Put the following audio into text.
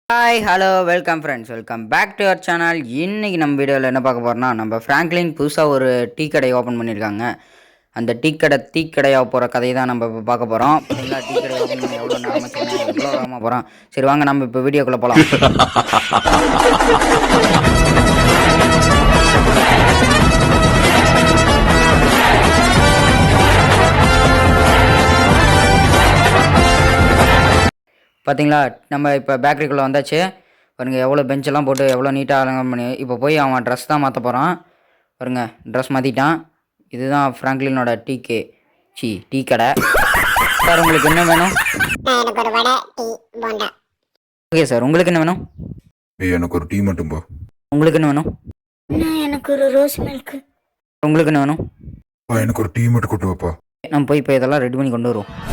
Hi hello welcome friends, welcome back to our channel. இன்றைக்கி நம்ம வீடியோவில் என்ன பார்க்க போகிறோம்னா, நம்ம ஃப்ராங்க்லின் புதுசாக ஒரு டீ கடை ஓப்பன் பண்ணியிருக்காங்க. அந்த டீ கடையாக போகிற கதையை தான் நம்ம இப்போ பார்க்க போகிறோம். பார்த்தீங்களா, டீ கடை ஓப்பன் பண்ணி எவ்வளோ நேரமாக சொன்னேன், எவ்வளோ வேகமாக போகிறோம். சரி வாங்க நம்ம இப்போ வீடியோக்குள்ளே போகலாம். பார்த்தீங்களா, நம்ம இப்போ பேக்கரிக்குள்ளே வந்தாச்சு. பாருங்க எவ்வளோ பெஞ்செல்லாம் போட்டு எவ்வளோ நீட்டாக அலங்காரம் பண்ணி. இப்போ போய் அவன் ட்ரெஸ் தான் மாற்ற போகிறான். பாருங்க ட்ரெஸ் மாற்றிட்டான். இதுதான் ஃப்ராங்க்லினோட டீ கடை. சார் உங்களுக்கு என்ன வேணும்? எனக்கு ஒரு வடை, டீ, போண்டா. ஓகே சார், உங்களுக்கு என்ன வேணும்? எனக்கு ஒரு டீ மட்டும் பா. உங்களுக்கு என்ன வேணும்? எனக்கு ஒரு ரோஸ் மில்க். உங்களுக்கு என்ன வேணும்? எனக்கு ஒரு டீ மட்டும் கொண்டு வாப்பா. நம்ம போய் இப்போ இதெல்லாம் ரெடி பண்ணி கொண்டு வருவோம்.